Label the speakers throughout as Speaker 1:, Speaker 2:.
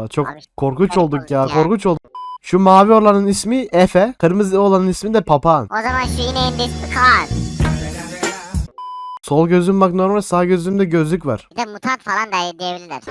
Speaker 1: çok
Speaker 2: Abi,
Speaker 1: korkunç
Speaker 2: garip
Speaker 1: olduk
Speaker 2: olduk
Speaker 1: ya,
Speaker 2: ya.
Speaker 1: korkunç olduk. Şu mavi olanın ismi Efe, kırmızı olanın ismi de Papağan.
Speaker 2: O zaman şu ineğin de ismi Kaan.
Speaker 1: Sol gözüm bak normal, sağ gözümde gözlük var.
Speaker 2: Bir de mutant falan da diyebilirler.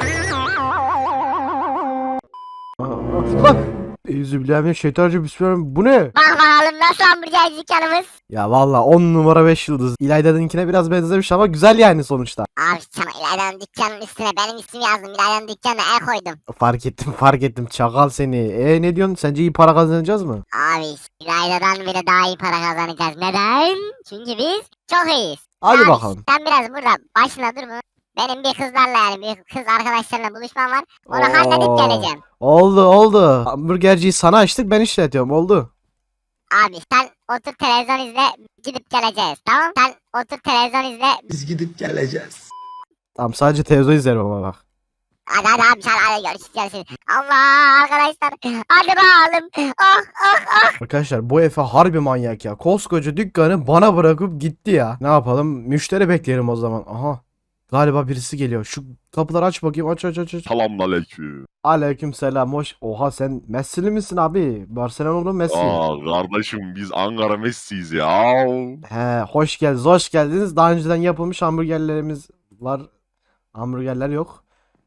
Speaker 1: Lan! Euzubillahimineşşeytanirracim, bismillah. Bu ne?
Speaker 2: Bak bakalım nasıl hamburgerci dükkanımız.
Speaker 1: Ya valla 10 numara 5 yıldız. İlayda'nınkine biraz benzemiş ama güzel yani sonuçta.
Speaker 2: Abi sana İlayda'nın dükkanının üstüne benim ismimi yazdım. İlayda'nın dükkanına el koydum.
Speaker 1: Fark ettim, fark ettim. Çakal seni. Ne diyorsun? Sence iyi para kazanacağız mı?
Speaker 2: Abi İlayda'dan bile daha iyi para kazanacağız. Neden? Çünkü biz çok iyiyiz.
Speaker 1: Hadi
Speaker 2: Abi,
Speaker 1: bakalım.
Speaker 2: sen biraz burada başına dur mu? Benim bir kızlarla yani bir kız arkadaşlarla buluşmam var. Onu halledip
Speaker 1: Oo.
Speaker 2: geleceğim.
Speaker 1: Oldu oldu. Hamburgerciyi sana açtık, ben işletiyorum, oldu.
Speaker 2: Abi sen otur televizyon izle gidip geleceğiz tamam? Sen otur televizyon izle.
Speaker 3: Biz gidip geleceğiz.
Speaker 1: Tamam, sadece televizyon izlerim ama bak.
Speaker 2: Hadi abi sen hadi görüşürüz. Allah arkadaşlar. Hadi bakalım. Oh oh oh.
Speaker 1: Arkadaşlar bu Efe harbi manyak ya. Koskoca dükkanı bana bırakıp gitti ya. Ne yapalım? Müşteri bekleyelim o zaman. Aha. Galiba birisi geliyor. Şu kapıları aç bakayım. Aç aç aç aç.
Speaker 4: Selamünaleyküm.
Speaker 1: Aleykümselam. Hoş. Oha, sen Messi'li misin abi? Barcelona'lı Messi.
Speaker 4: Kardeşim biz Ankara Messi'yiz ya.
Speaker 1: He, hoş geldiniz. Hoş geldiniz. Daha önceden yapılmış hamburgerlerimiz var. Hamburgerler yok.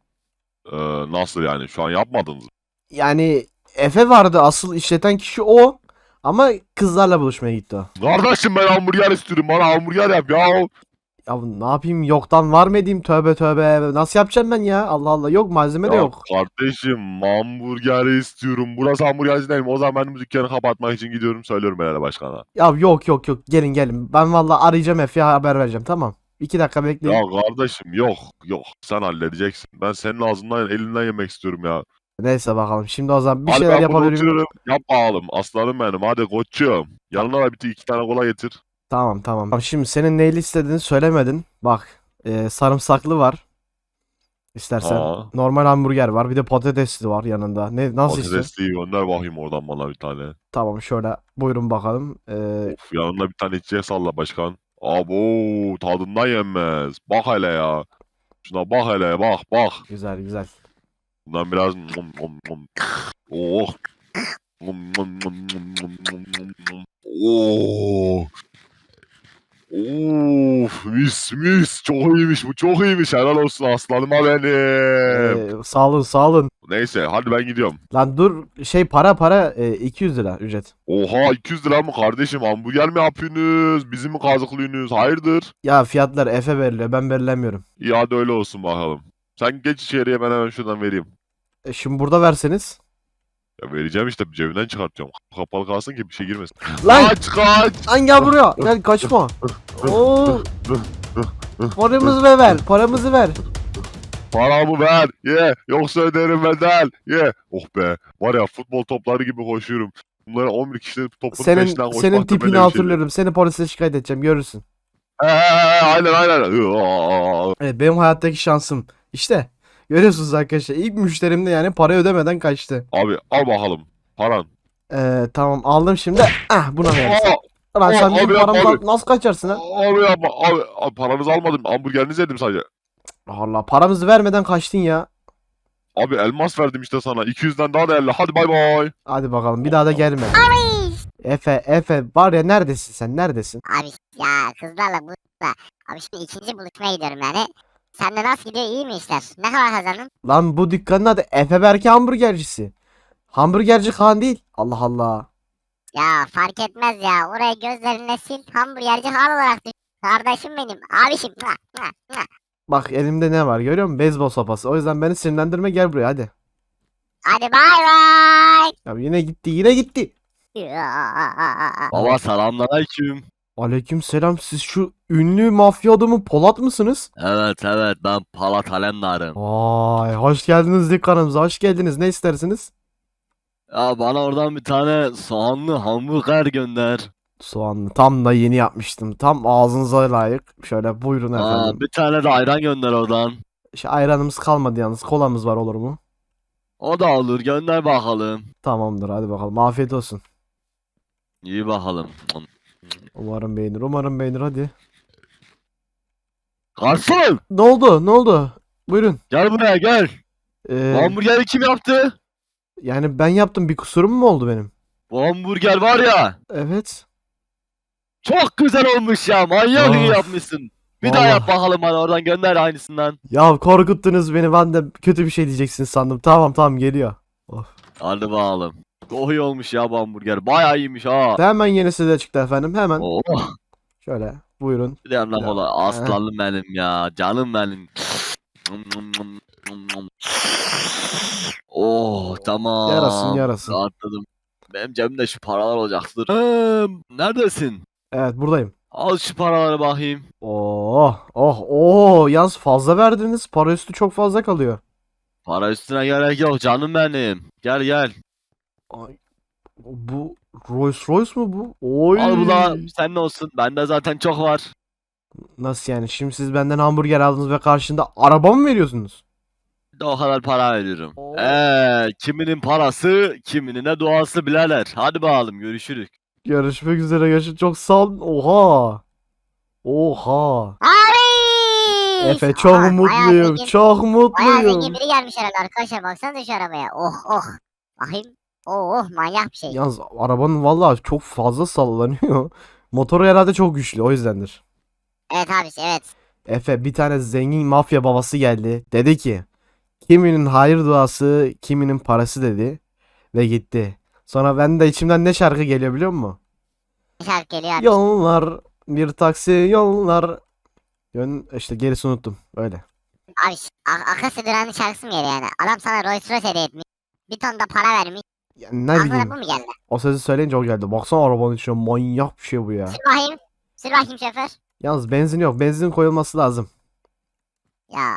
Speaker 4: Nasıl yani şu an yapmadınız mı?
Speaker 1: Yani Efe vardı, asıl işleten kişi o. Ama kızlarla buluşmaya gitti o.
Speaker 4: Kardeşim ben hamburger istiyorum, bana hamburger yap ya.
Speaker 1: Ya ne yapayım, yoktan var mı edeyim, tövbe tövbe. Nasıl yapacağım ben ya? Allah Allah, yok malzeme de
Speaker 4: Ya
Speaker 1: yok.
Speaker 4: kardeşim hamburger istiyorum. Burası hamburgerci değil mi? O zaman ben bu dükkanı kapatmak için gidiyorum, söylüyorum belediye başkana.
Speaker 1: Ya yok yok yok, gelin gelin. Ben vallahi arayacağım Efe'ye, haber vereceğim, tamam. 2 dakika bekleyin.
Speaker 4: Ya kardeşim yok yok, sen halledeceksin. Ben senin ağzından elinden yemek istiyorum ya.
Speaker 1: Neyse bakalım. Şimdi o zaman bir
Speaker 4: Hadi
Speaker 1: şeyler
Speaker 4: ben bunu
Speaker 1: yapabilirim.
Speaker 4: oturuyorum. Yap bakalım aslanım benim, hadi koçum. Yanına da bir iki tane kola getir.
Speaker 1: Tamam tamam. Tamam, şimdi senin neyle istediğini söylemedin. Bak, sarımsaklı var. İstersen.
Speaker 4: Aa.
Speaker 1: Normal hamburger var. Bir de patatesli var yanında. Ne, nasıl istiyorsun?
Speaker 4: Patatesliği gönder bakayım oradan bana bir tane.
Speaker 1: Tamam, şöyle buyurun bakalım.
Speaker 4: Of, yanına bir tane içecek salla başkan. Abo tadından yenmez. Bak hele ya. Şuna bak hele, bak bak.
Speaker 1: Güzel güzel.
Speaker 4: Bundan biraz oh. Oh. Of, mis mis, çok iyiymiş bu, çok iyiymiş, helal olsun aslanıma benim.
Speaker 1: Sağ olun sağ olun.
Speaker 4: Neyse hadi ben gidiyorum.
Speaker 1: Lan dur, şey, para 200 lira ücret.
Speaker 4: Oha 200 lira mı kardeşim, hamburger mi yapıyorsunuz, bizi mi kazıklıyorsunuz, hayırdır?
Speaker 1: Ya fiyatlar Efe veriliyor, ben belirlemiyorum.
Speaker 4: İyi hadi öyle olsun bakalım. Sen geç içeriye, ben hemen şuradan vereyim.
Speaker 1: Şimdi burada verseniz.
Speaker 4: Ya vereceğim işte, cebimden çıkartıyorum. Kapalı kalsın ki bir şey girmesin.
Speaker 1: Lan!
Speaker 4: Kaç kaç!
Speaker 1: Lan gel buraya. Gel, kaçma. Oo. Paramızı ver. Paramızı ver.
Speaker 4: Paramı ver ye, yoksa öderim bedel ye. Oh be, var ya futbol topları gibi koşuyorum. Bunlara 11 kişi topun peşinden
Speaker 1: Senin
Speaker 4: koşmak da
Speaker 1: tipini
Speaker 4: böyle bir şey.
Speaker 1: hatırlıyorum. Seni polise şikayet edeceğim, görürsün.
Speaker 4: Aynen aynen.
Speaker 1: Evet, benim hayattaki şansım. İşte görüyorsunuz arkadaşlar. İlk müşterim de yani para ödemeden kaçtı.
Speaker 4: Abi al bakalım paran.
Speaker 1: Tamam, aldım şimdi. Ah, buna versin.
Speaker 4: Aa,
Speaker 1: Lan sen
Speaker 4: abi
Speaker 1: benim
Speaker 4: yapma
Speaker 1: paramdan
Speaker 4: abi.
Speaker 1: nasıl kaçarsın ha?
Speaker 4: Abi yapma abi, paranızı almadım, hamburgerinizi yedim sadece.
Speaker 1: Allah, paramızı vermeden kaçtın ya.
Speaker 4: Abi elmas verdim işte sana, 200'den daha değerli, hadi bay bay.
Speaker 1: Hadi bakalım, bir daha da gelme.
Speaker 2: Abi.
Speaker 1: Efe var ya, neredesin sen, neredesin?
Speaker 2: Abi ya kızlarla buluşma. Abi şimdi ikinci buluşmaya gidiyorum yani. Sende nasıl gidiyor, iyi mi işler? Ne kadar kazandın?
Speaker 1: Lan bu dükkanın adı Efe Berke hamburgercisi. Hamburgerci Kaan değil. Allah Allah.
Speaker 2: Ya fark etmez ya. Oraya gözlerine sil. Hamburgerci hal olarak düşün. Kardeşim benim. Abişim. Mua, mua, mua.
Speaker 1: Bak elimde ne var, görüyor musun? Beyzbol sopası. O yüzden beni sinirlendirme, gel buraya hadi.
Speaker 2: Hadi bay bay.
Speaker 1: Ya yine gitti, yine gitti.
Speaker 2: Ya.
Speaker 5: Baba selamünaleyküm.
Speaker 1: Aleykümselam, siz şu ünlü mafya adamı Polat mısınız?
Speaker 5: Evet evet ben Palat Alemdar'ım.
Speaker 1: Vay, hoş geldiniz dükkanımıza, hoş geldiniz. Ne istersiniz?
Speaker 5: Ya bana oradan bir tane soğanlı hamburger gönder.
Speaker 1: Soğanlı. Tam da yeni yapmıştım. Tam ağzınıza layık. Şöyle buyurun
Speaker 5: Aa,
Speaker 1: efendim.
Speaker 5: bir tane de ayran gönder oradan.
Speaker 1: Ayranımız kalmadı yalnız. Kolamız var, olur mu?
Speaker 5: O da olur gönder bakalım.
Speaker 1: Tamamdır, hadi bakalım. Afiyet olsun.
Speaker 5: İyi bakalım.
Speaker 1: Umarım beğenir. Umarım beğenir, hadi.
Speaker 5: Garson
Speaker 1: Ne oldu? Ne oldu? Buyurun.
Speaker 5: gel buraya gel. Bu
Speaker 1: Ee,
Speaker 5: hamburgeri kim yaptı?
Speaker 1: yani ben yaptım, bir kusurum mu oldu benim?
Speaker 5: Bu hamburger var ya.
Speaker 1: Evet.
Speaker 5: Çok güzel olmuş ya. Manyak iyi
Speaker 1: Of,
Speaker 5: yapmışsın. Bir daha yap
Speaker 1: vallahi.
Speaker 5: bakalım bana, oradan gönder aynısından.
Speaker 1: Ya korkuttunuz beni, ben de kötü bir şey diyeceksin sandım. Tamam tamam, geliyor. Of.
Speaker 5: Hadi bakalım. Çok iyi olmuş ya bu hamburger. Bayağı iyiymiş ha.
Speaker 1: Hemen yenisi de çıktı efendim, hemen.
Speaker 5: Oh.
Speaker 1: Şöyle buyurun.
Speaker 5: Bir de yanına
Speaker 1: Ya,
Speaker 5: kola.
Speaker 1: eh.
Speaker 5: Aslanım benim ya. Canım benim. Oh tamam.
Speaker 1: Yarasın, yarasın.
Speaker 5: Rahatladım. Benim cebimde şu paralar olacaktır. Neredesin?
Speaker 1: Evet, buradayım.
Speaker 5: Al şu paraları bakayım.
Speaker 1: Oh oh oh, yalnız fazla verdiniz. Para üstü çok fazla kalıyor.
Speaker 5: Para üstüne gerek yok canım benim. Gel gel.
Speaker 1: Ay, bu Rolls Royce mu bu? Oy.
Speaker 5: Al bu da senin olsun. Bende zaten çok var.
Speaker 1: Nasıl yani? Şimdi siz benden hamburger aldınız ve karşında araba mı veriyorsunuz?
Speaker 5: Bir de o kadar para veriyorum.
Speaker 1: Oo.
Speaker 5: Kiminin parası, kiminin de duası birader. Hadi bakalım görüşürüz.
Speaker 1: Görüşmek üzere, görüşürüz. Çok sağ olun. Oha. Oha.
Speaker 2: Abi!
Speaker 1: Efe, çok
Speaker 2: Bayağı
Speaker 1: mutluyum.
Speaker 2: zengin-
Speaker 1: Çok
Speaker 2: Bayağı
Speaker 1: mutluyum.
Speaker 2: zengin biri gelmiş herhalde arkadaşlar. Baksanıza şu arabaya. Oh oh. Bakayım. Oh oh, manyak bir şey.
Speaker 1: Yalnız arabanın vallahi çok fazla sallanıyor. Motoru herhalde çok güçlü, o yüzdendir.
Speaker 2: Evet abi, evet.
Speaker 1: Efe, bir tane zengin mafya babası geldi. Dedi ki kiminin hayır duası, kiminin parası dedi. Ve gitti. Sonra ben de içimden ne şarkı geliyor biliyor musun?
Speaker 2: Şarkı geliyor abi.
Speaker 1: Yollar, bir taksi yollar. İşte gerisini unuttum. Öyle.
Speaker 2: Abi Akasya Duran'ın şarkısı mı geliyor yani? Adam sana Rolls Royce hediye etmiş. Bir ton da para vermiş.
Speaker 1: Yani ne
Speaker 2: Aklına
Speaker 1: bileyim.
Speaker 2: bu mu geldi?
Speaker 1: O sözü söyleyince o geldi. Baksana arabanın içine, manyak bir şey bu ya.
Speaker 2: Sür bakayım. Sür bakayım şoför.
Speaker 1: Yalnız benzin yok. Benzin koyulması lazım.
Speaker 2: Ya.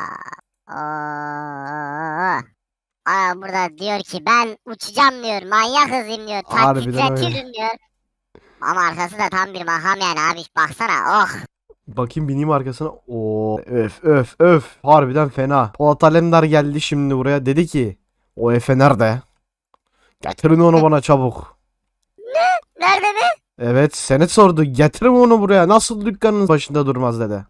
Speaker 2: Oo. Aa, burada diyor ki ben uçacağım diyor. Manyak hızlıyım diyor.
Speaker 1: Harbiden öyle.
Speaker 2: Titretirim diyor. Ama arkası da tam bir makam yani abi. Baksana oh.
Speaker 1: Bakayım, bineyim arkasına. Oo, öf öf öf. Harbiden fena. Polat Alemdar geldi şimdi buraya. Dedi ki o Efe nerede? Getirin onu bana çabuk.
Speaker 2: Nerede mi?
Speaker 1: Evet, Senet sordu. Getirin onu buraya. Nasıl dükkanın başında durmaz dedi.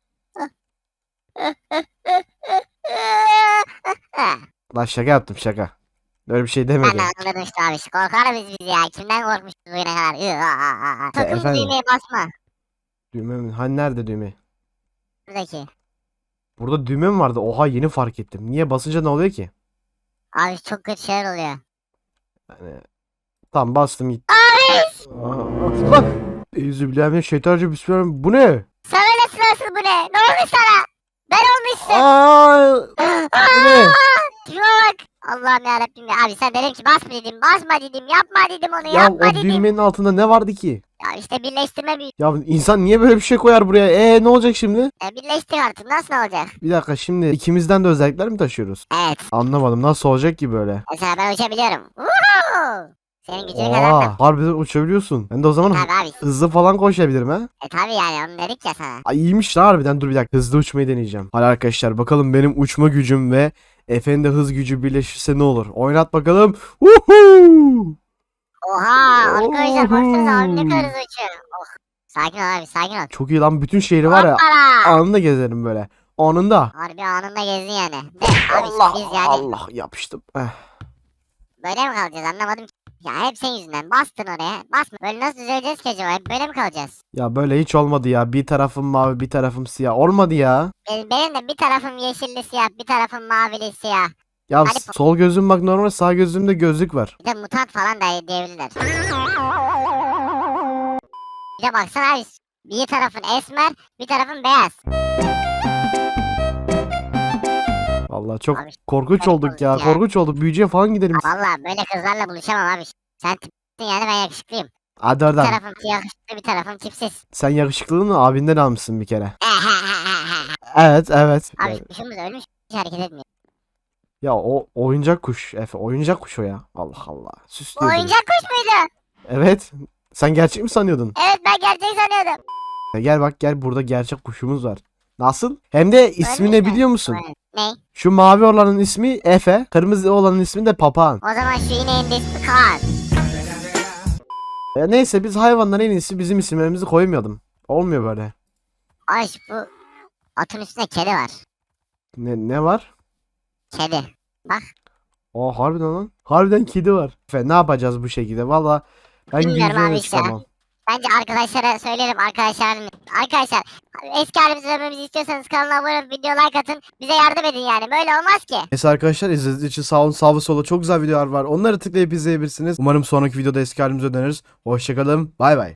Speaker 1: Lan şaka yaptım, şaka. Öyle bir şey
Speaker 2: Ben
Speaker 1: demedim.
Speaker 2: de anladım işte abi. Korkarız biz ya. Kimden korkmuşuz bugüne kadar? Sakın
Speaker 1: efendim?
Speaker 2: düğmeye basma.
Speaker 1: Düğme mi? Hani nerede düğme?
Speaker 2: Buradaki.
Speaker 1: Burada düğme mi vardı? Oha, yeni fark ettim. Niye basınca ne oluyor ki?
Speaker 2: Abi çok kötü şeyler oluyor.
Speaker 1: Yani, tamam, bastım gitti.
Speaker 2: Abi!
Speaker 1: Lan! Euzubillahimineşşeytanirracim. Bismillah. Bu ne?
Speaker 2: Sana ne sırası bu ne? Ne olmuş sana? Ben olmuşsun.
Speaker 1: Aa! Bu ne?
Speaker 2: Şuna bak. Allah'ım yarabbim ya. Abi sen dedim ki basma dedim. Basma dedim. Yapma dedim onu.
Speaker 1: Ya
Speaker 2: Yapma
Speaker 1: o
Speaker 2: dedim.
Speaker 1: düğmenin altında ne vardı ki?
Speaker 2: Ya işte birleştirme büyük.
Speaker 1: Ya insan niye böyle bir şey koyar buraya? Ne olacak şimdi?
Speaker 2: Birleştir artık. Nasıl olacak?
Speaker 1: Bir dakika, şimdi ikimizden de özellikler mi taşıyoruz?
Speaker 2: Evet.
Speaker 1: Anlamadım, nasıl olacak ki böyle?
Speaker 2: Mesela ben uçabiliyorum. Woohoo! Senin gücünü kadar da.
Speaker 1: Oha, harbiden uçabiliyorsun. Ben de o zaman
Speaker 2: Tabii abi.
Speaker 1: hızlı falan koşabilirim ha.
Speaker 2: Tabii yani onu dedik ya sana.
Speaker 1: Ay, iyiymiş lan harbiden. Dur bir dakika, hızlı uçmayı deneyeceğim. Hadi arkadaşlar, bakalım benim uçma gücüm ve Efe'nin de hız gücü birleşirse ne olur? Oynat bakalım. Woohoo!
Speaker 2: Oha! Arkadaşlar baksanıza abi ne
Speaker 1: Oho!
Speaker 2: kadar hızlı uçuyor. Oh. Sakin ol abi, sakin ol.
Speaker 1: Çok iyi lan, bütün şehri var ya,
Speaker 2: Hoppala!
Speaker 1: anında gezerim böyle. Anında.
Speaker 2: Harbi anında gezdin yani. De abi
Speaker 1: Allah
Speaker 2: biz yani
Speaker 1: Allah, yapıştım.
Speaker 2: böyle mi kalacağız anlamadım ki. Ya hep senin yüzünden bastın oraya. Basma. Böyle nasıl düzeleceğiz ki acaba? Hep böyle mi kalacağız?
Speaker 1: Ya böyle hiç olmadı ya. Bir tarafım mavi, bir tarafım siyah. Olmadı ya.
Speaker 2: Benim de bir tarafım yeşilli siyah, bir tarafım mavili siyah.
Speaker 1: Ya
Speaker 2: Hadi
Speaker 1: sol gözüm bak normal, sağ gözümde gözlük var.
Speaker 2: Bir de mutant falan da diyebilirler. Bir de baksana abi. Bir tarafın esmer, bir tarafın beyaz.
Speaker 1: Vallahi çok
Speaker 2: Abi,
Speaker 1: korkunç
Speaker 2: çok
Speaker 1: olduk ya.
Speaker 2: olduk ya.
Speaker 1: Korkunç olduk. Büyücüye falan gidelim.
Speaker 2: Vallahi böyle kızlarla buluşamam abi. Sen tipsin yani ben yakışıklıyım.
Speaker 1: Hadi
Speaker 2: Bir
Speaker 1: oradan.
Speaker 2: tarafım yakışıklı, bir tarafım tipsiz.
Speaker 1: Sen yakışıklılığını abinden almışsın bir kere. Evet evet.
Speaker 2: Abi
Speaker 1: Yani,
Speaker 2: kuşumuz ölmüş, hiç hareket etmiyor.
Speaker 1: ya o oyuncak kuş Efe. Oyuncak kuş o ya. Allah Allah.
Speaker 2: Bu
Speaker 1: Süslüyor beni.
Speaker 2: oyuncak kuş muydu?
Speaker 1: Evet. Sen gerçek mi sanıyordun?
Speaker 2: Evet ben gerçek sanıyordum.
Speaker 1: Gel bak, gel, burada gerçek kuşumuz var. Nasıl? Hem de ismi ne
Speaker 2: Ölmüş mü?
Speaker 1: biliyor musun?
Speaker 2: Ne?
Speaker 1: Şu mavi olanın ismi Efe. Kırmızı olanın ismi de Papağan.
Speaker 2: O zaman şu ineğin de ismi Kaan.
Speaker 1: Neyse, biz hayvanlara en iyisi bizim isimlerimizi koymayalım. Olmuyor böyle.
Speaker 2: Ay bu atın üstünde kedi var.
Speaker 1: Ne var?
Speaker 2: Kedi. Bak.
Speaker 1: Aa harbiden lan. Harbiden kedi var. Efe ne yapacağız bu şekilde? Valla ben
Speaker 2: Bilmiyorum
Speaker 1: güldürmeye
Speaker 2: abi işte.
Speaker 1: çıkamam.
Speaker 2: Bence arkadaşlara söyleyelim arkadaşlar eski halimize dönmemizi istiyorsanız kanala abone olup video like atın. Bize yardım edin yani. Böyle olmaz ki.
Speaker 1: Neyse arkadaşlar izlediğiniz için sağ olun. Sağ ve sola çok güzel videolar var. Onları tıklayıp izleyebilirsiniz. Umarım sonraki videoda eski halimize döneriz. Hoşçakalın. Bay bay.